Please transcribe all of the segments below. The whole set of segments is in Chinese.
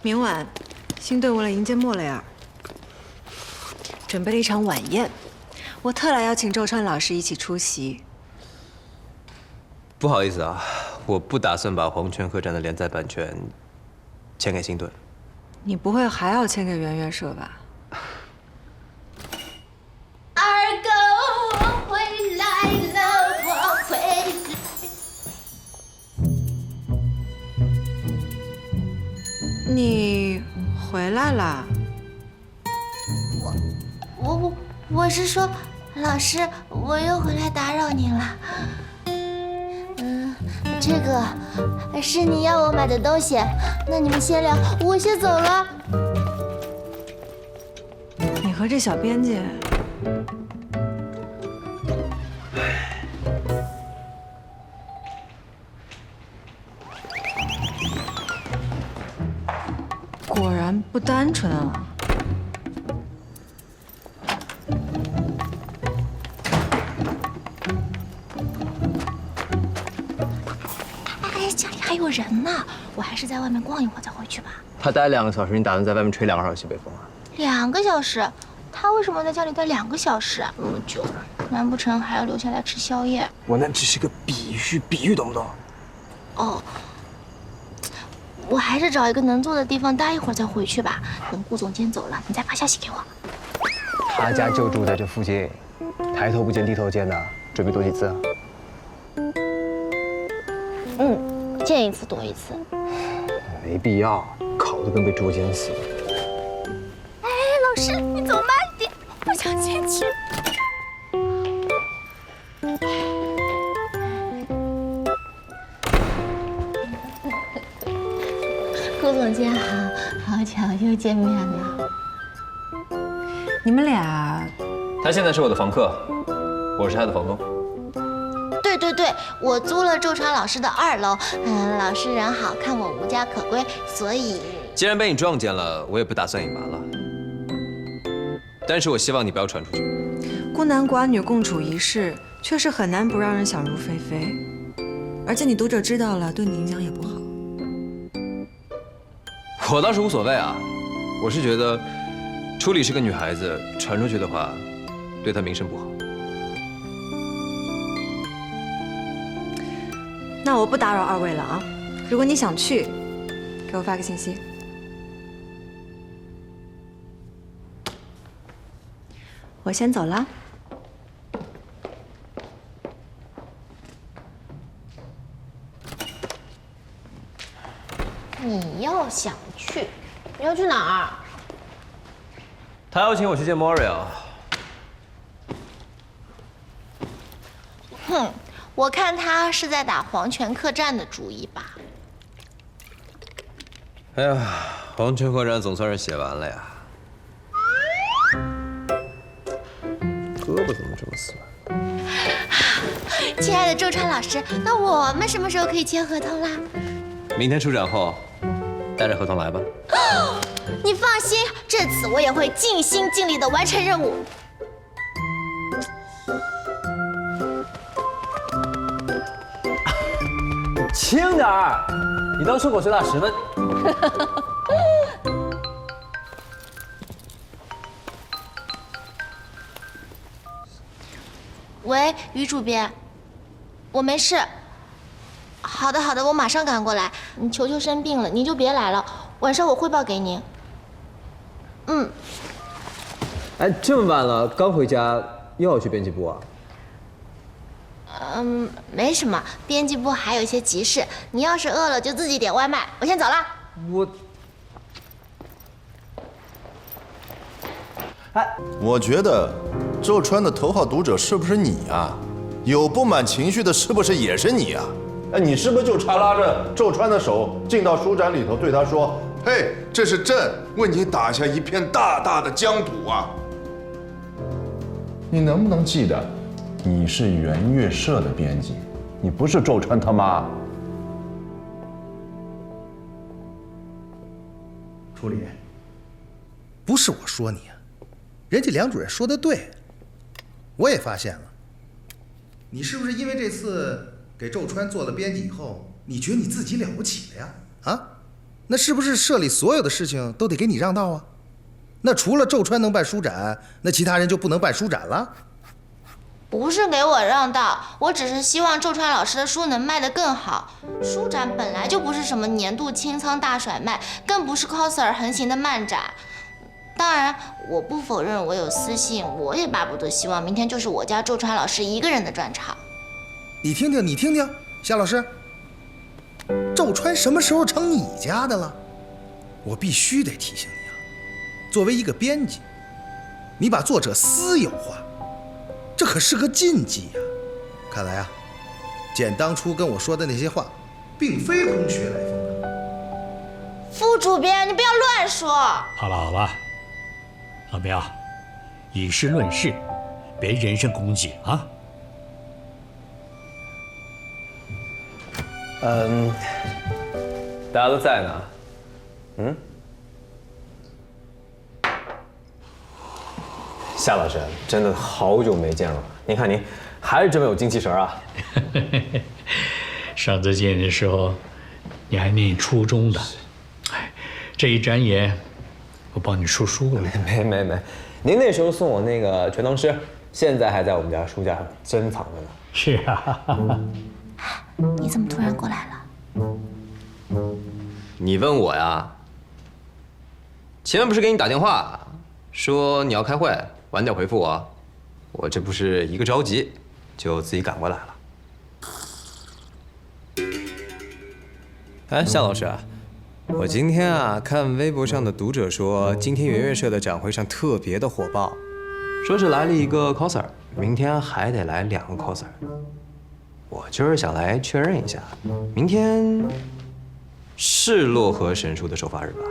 明晚，新队伍来迎接莫雷尔，准备了一场晚宴，我特来邀请周川老师一起出席。 不好意思啊，我不打算把《黄泉客栈》的连载版权签给新队。 你不会还要签给圆月社吧？ 二狗，我回来了，我回来。 你回来啦？ 我是说，老师，我又回来打扰您了。这个是你要我买的东西，那你们先聊，我先走了。 你和这小编辑，果然不单纯啊。 家里还有人呢，我还是在外面逛一会儿再回去吧。 他待2个小时，你打算在外面吹2个小时西北风啊 2个小时？他为什么在家里待2个小时啊？那么久，难不成还要留下来吃宵夜？ 我那只是个比喻懂不懂？ 哦，我还是找一个能坐的地方待一会儿再回去吧。等顾总监走了，你再发消息给我。 他家就住在这附近，抬头不见低头见的，准备多几次啊？ 见一次多一次。 没必要，烤得跟被捉奸似的。 哎，老师，你走慢点，不想进去。顾总监好，好巧又见面了。 你们俩， 他现在是我的房客，我是他的房东。 对，我租了周川老师的2楼。老师人好，看我无家可归，所以既然被你撞见了，我也不打算隐瞒了。但是我希望你不要传出去。 孤男寡女共处一室，确实很难不让人想入非非。而且你读者知道了，对你影响也不好。 我倒是无所谓啊，我是觉得初里是个女孩子，传出去的话，对她名声不好。 那我不打扰2位了啊！如果你想去，给我发个信息。我先走了。 你要想去，你要去哪儿？ 他邀请我去见 Moria。 哼，我看他是在打黄泉客栈的主意吧。 哎呀，黄泉客栈总算是写完了呀。胳膊怎么这么酸？ 亲爱的周川老师，那我们什么时候可以签合同啦？ 明天出展后，带着合同来吧。 你放心，这次我也会尽心尽力的完成任务。 轻点儿，你当顺口随打10分。 喂，于主编，我没事。好的，我马上赶过来。你球球生病了，您就别来了，晚上我汇报给您。 哎，这么晚了，刚回家又要去编辑部啊？ 没什么，编辑部还有一些急事。你要是饿了就自己点外卖，我先走了。 我觉得周川的头号读者是不是你啊？有不满情绪的，是不是也是你啊？哎，你是不是就差拉着周川的手进到书展里头，对他说：“嘿，这是朕为你打下一片大大的疆土啊！”你能不能记得，你是圆月社的编辑，你不是周川他妈。 楚理，不是我说你啊，人家梁主任说的对，我也发现了，你是不是因为这次给周川做了编辑以后，你觉得你自己了不起了呀？啊？ 那是不是社里所有的事情都得给你让道啊？那除了周川能办书展，那其他人就不能办书展了？ 不是给我让道，我只是希望周川老师的书能卖得更好。书展本来就不是什么年度清仓大甩卖，更不是 coser 横行的漫展。当然，我不否认我有私心，我也巴不得希望明天就是我家周川老师一个人的专场。 你听听，夏老师，周川什么时候成你家的了？我必须得提醒你啊，作为一个编辑，你把作者私有化，这可是个禁忌呀。看来啊，简当初跟我说的那些话，并非空穴来风啊。 副主编，你不要乱说。 好了，老苗，以事论事，别人身攻击啊。 大家都在呢。夏老师，真的好久没见了。您看您还是这么有精气神啊！ 上次见你的时候，你还念初中的，哎，这一转眼，我帮你出书了。 没，您那时候送我那个全唐诗，现在还在我们家书架上珍藏着呢。 是啊。 你怎么突然过来了？ 你问我呀？前面不是给你打电话，说你要开会，晚点回复我。我这不是一个着急，就自己赶过来了。哎，夏老师，我今天啊看微博上的读者说，今天圆圆社的展会上特别的火爆，说是来了一个 coser， 明天还得来2个 coser。我就是想来确认一下，明天是洛河神书的首发日吧？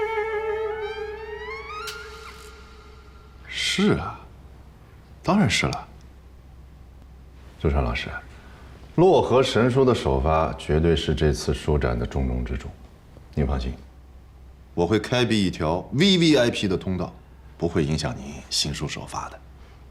是啊，当然是了。周川老师，洛河神书的首发绝对是这次书展的重中之重，您放心，我会开辟一条 VVIP 的通道，不会影响您新书首发的。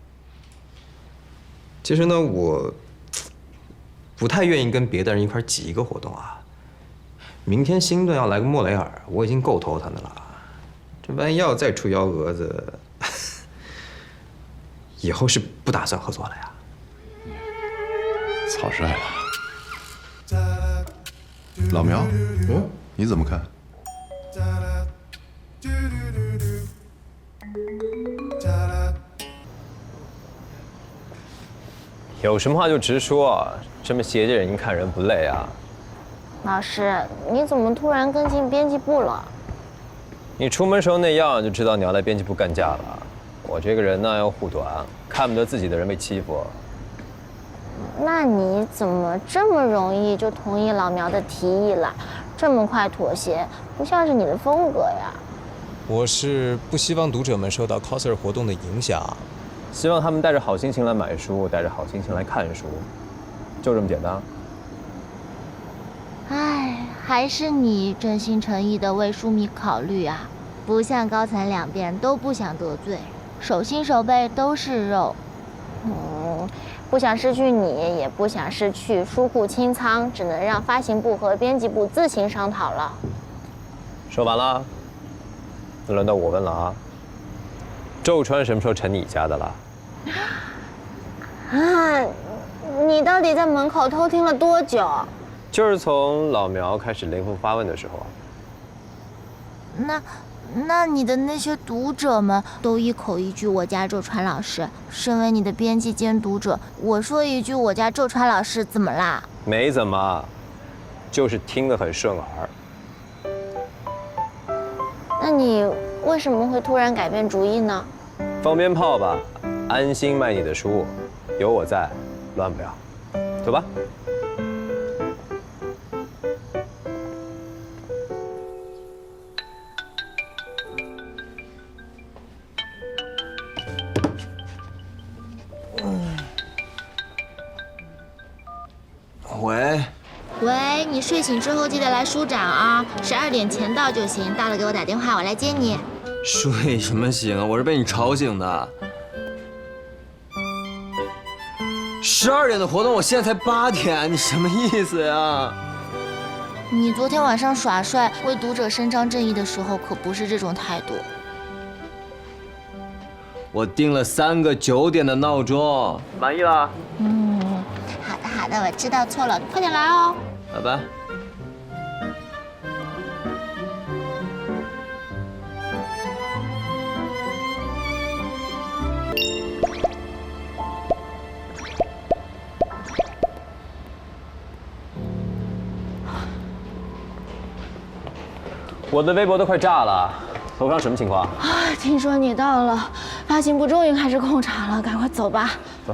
其实呢，我不太愿意跟别的人一块挤一个活动啊。明天新顿要来个莫雷尔，我已经够头疼的了，这万一要再出幺蛾子，以后是不打算合作了呀。 草率了。老苗，你怎么看？ 有什么话就直说，这么斜着眼睛看人不累啊？ 老师，你怎么突然跟进编辑部了？ 你出门时候那样就知道你要来编辑部干架了。我这个人呢要护短，看不得自己的人被欺负。 那你怎么这么容易就同意老苗的提议了？这么快妥协，不像是你的风格呀。 我是不希望读者们受到 coser 活动的影响，希望他们带着好心情来买书，带着好心情来看书，就这么简单。 唉，还是你真心诚意的为书迷考虑啊，不像高层两边都不想得罪，手心手背都是肉。不想失去你，也不想失去书库清仓，只能让发行部和编辑部自行商讨了。 说完了，那轮到我问了啊。周川什么时候成你家的了？ 啊，你到底在门口偷听了多久？ 就是从老苗开始灵魂发问的时候。 那你的那些读者们都一口一句我家周川老师，身为你的编辑兼读者，我说一句我家周川老师怎么啦？ 没怎么，就是听得很顺耳。 那你为什么会突然改变主意呢？ 放鞭炮吧，安心卖你的书，有我在，乱不了。走吧。 喂，你睡醒之后记得来书展啊，12点前到就行，到了给我打电话，我来接你。 睡什么醒啊？我是被你吵醒的。12点的活动，我现在才8点，你什么意思呀？ 你昨天晚上耍帅为读者伸张正义的时候，可不是这种态度。 我定了3个9点的闹钟，满意了？ 好的好的，我知道错了，快点来哦。 好吧。 我的微博都快炸了，头上什么情况？ 啊，听说你到了，发行部终于开始控场了，赶快走吧。 走。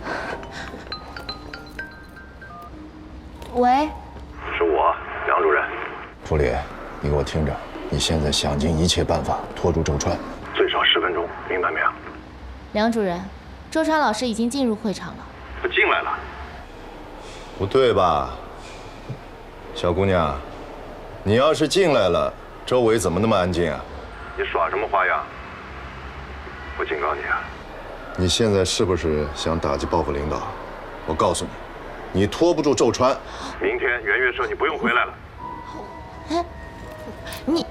喂， 是我，梁主任。助理，你给我听着，你现在想尽一切办法拖住周川，最少10分钟，明白没有？ 梁主任，周川老师已经进入会场了。 他进来了。不对吧，小姑娘？你要是进来了，周围怎么那么安静啊？你耍什么花样？我警告你啊！你现在是不是想打击报复领导？我告诉你，你拖不住周川，明天圆月社你不用回来了。 你，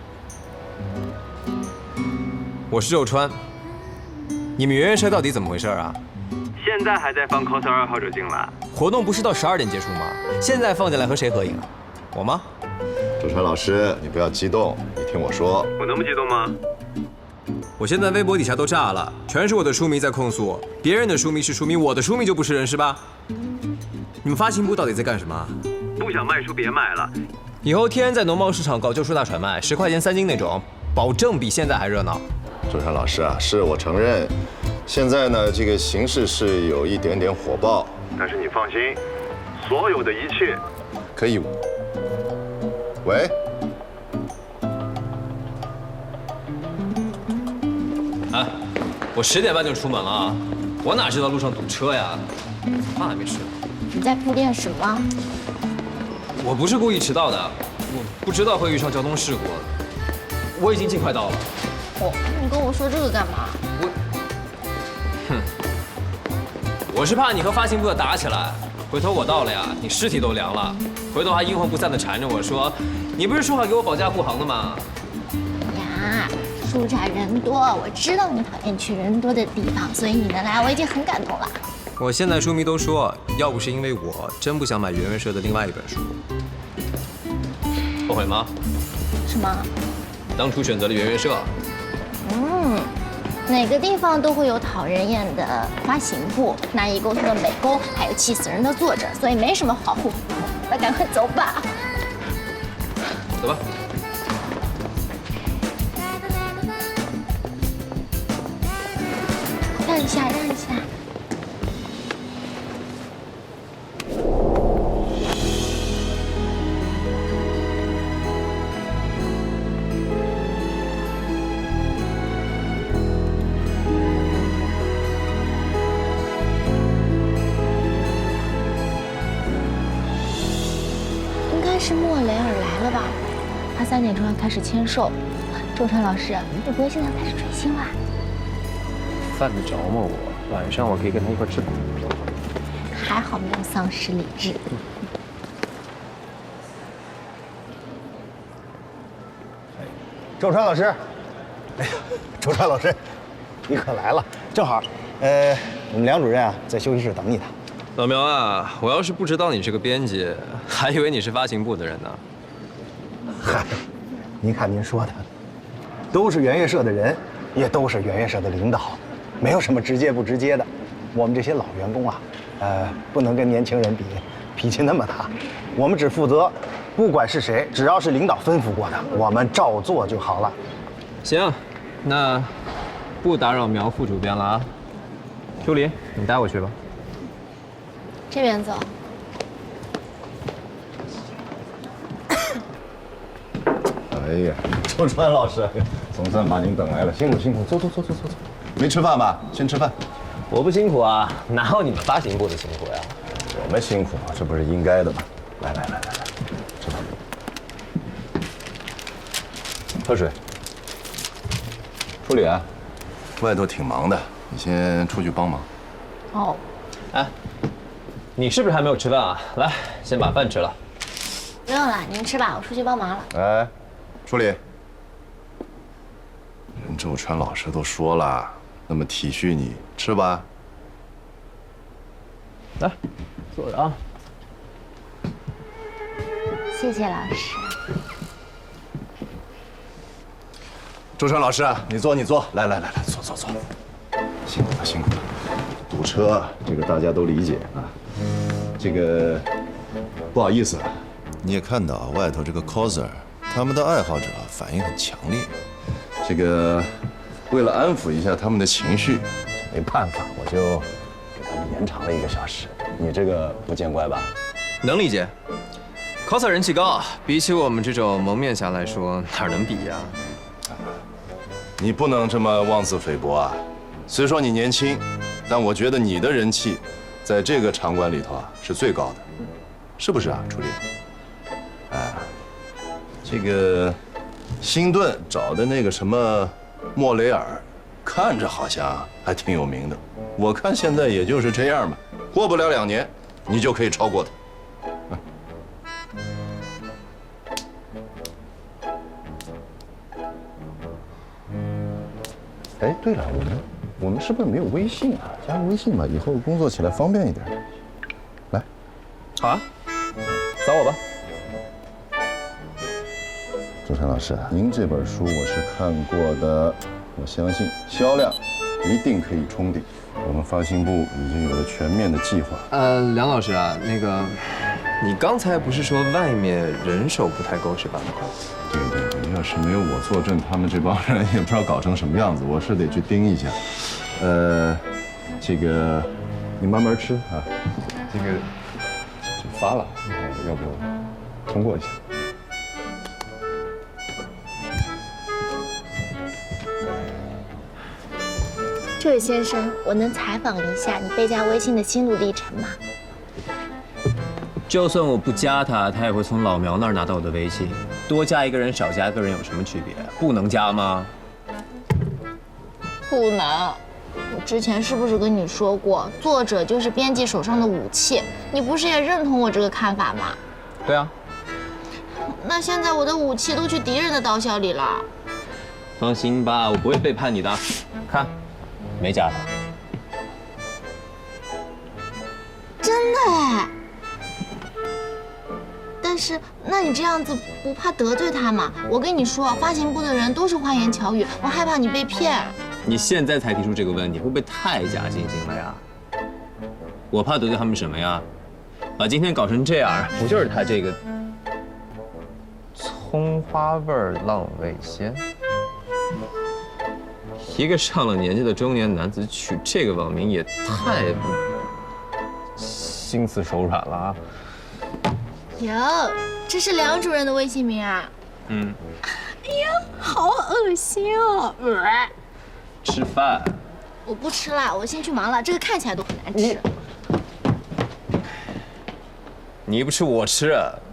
我是周川。你们圆月社到底怎么回事啊？现在还在放 coser 2号者进来，活动不是到12点结束吗？现在放进来和谁合影啊？我吗？ 周川老师，你不要激动，你听我说。我能不激动吗？ 我现在微博底下都炸了，全是我的书迷在控诉我，别人的书迷是书迷，我的书迷就不是人是吧？你们发行部到底在干什么？不想卖书别卖了，以后天天在农贸市场搞旧书大甩卖，10块钱3斤那种，保证比现在还热闹。 周川老师啊，是我承认，现在呢这个形势是有一点点火爆，但是你放心，所有的一切可以。喂， 啊，我10点半就出门了，我哪知道路上堵车呀？饭还没吃。 你在铺垫什么？ 我不是故意迟到的，我不知道会遇上交通事故，我已经尽快到了。 哦，你跟我说这个干嘛？ 我是怕你和发行部的打起来，回头我到了呀，你尸体都凉了，回头还阴魂不散的缠着我说，你不是说好给我保驾护航的吗？ 呀，书展人多，我知道你讨厌去人多的地方，所以你能来，我已经很感动了。 我现在书迷都说，要不是因为我，真不想买圆圆社的另外一本书。后悔吗？ 什么？ 当初选择了圆圆社。 哪个地方都会有讨人厌的发行部、难以沟通的美工，还有气死人的作者，所以没什么好护肤。那赶快走吧。 走吧。 让一下，让一下。是莫雷尔来了吧？他3点钟要开始签售。周川老师，你不会现在开始追星啦？ 犯得着吗我？晚上我可以跟他一块吃饭。 还好没有丧失理智。 周川老师，哎呀，周川老师，你可来了，正好，我们梁主任啊在休息室等你呢。 老苗啊，我要是不知道你是个编辑，还以为你是发行部的人呢。 嗨，您看您说的，都是圆月社的人，也都是圆月社的领导，没有什么直接不直接的。我们这些老员工啊，不能跟年轻人比，脾气那么大。我们只负责，不管是谁，只要是领导吩咐过的，我们照做就好了。 行，那不打扰苗副主编了啊。秋林，你带我去吧。 这边走。 哎呀，周川老师，总算把您等来了，辛苦辛苦，走。没吃饭吧？先吃饭。 我不辛苦啊，哪有你们发行部的辛苦呀？ 我们辛苦，这不是应该的吗？来，吃饭。喝水。助理啊，外头挺忙的，你先出去帮忙。 哦。 哎，你是不是还没有吃饭啊？来，先把饭吃了。 不用了，您吃吧，我出去帮忙了。 哎，处理。人周川老师都说了，那么体恤你，吃吧。 来，坐着啊。 谢谢老师。 周川老师，你坐，来，坐。辛苦了。堵车，这个大家都理解啊。这个不好意思，你也看到外头这个 coser， 他们的爱好者反应很强烈。这个为了安抚一下他们的情绪，没办法，我就给他们延长了1个小时。你这个不见怪吧？ 能理解。coser 人气高，比起我们这种蒙面侠来说，哪能比呀？ 你不能这么妄自菲薄啊！虽说你年轻，但我觉得你的人气，在这个场馆里头啊是最高的，是不是啊，楚丽？哎，这个辛顿找的那个什么莫雷尔，看着好像还挺有名的，我看现在也就是这样吧，过不了2年，你就可以超过他。哎，对了，我们是不是没有微信啊？加个微信吧，以后工作起来方便一点。来， 好啊，扫我吧。 周川老师，您这本书我是看过的，我相信销量一定可以冲顶。我们发行部已经有了全面的计划。 梁老师啊，那个，你刚才不是说外面人手不太够是吧？ 对，要是没有我坐镇，他们这帮人也不知道搞成什么样子，我是得去盯一下。这个你慢慢吃啊，这个就发了，要不通过一下。 这位先生，我能采访一下你被加微信的心路历程吗？ 就算我不加他，他也会从老苗那儿拿到我的微信。多加一个人，少加一个人有什么区别？不能加吗？ 不能。我之前是不是跟你说过，作者就是编辑手上的武器？你不是也认同我这个看法吗？ 对啊。 那现在我的武器都去敌人的刀鞘里了。 放心吧，我不会背叛你的。看，没加他。 真的哎。但是，那你这样子不怕得罪他吗？我跟你说，发行部的人都是花言巧语，我害怕你被骗。 你现在才提出这个问题，会不会太假惺惺了呀？我怕得罪他们什么呀？把今天搞成这样，不就是他这个葱花味浪味仙？一个上了年纪的中年男子取这个网名也太心慈手软了啊！ 哟，这是梁主任的微信名啊？ 嗯。 哎呀，好恶心哦！ 吃饭。 我不吃了，我先去忙了。这个看起来都很难吃。 你不吃我吃，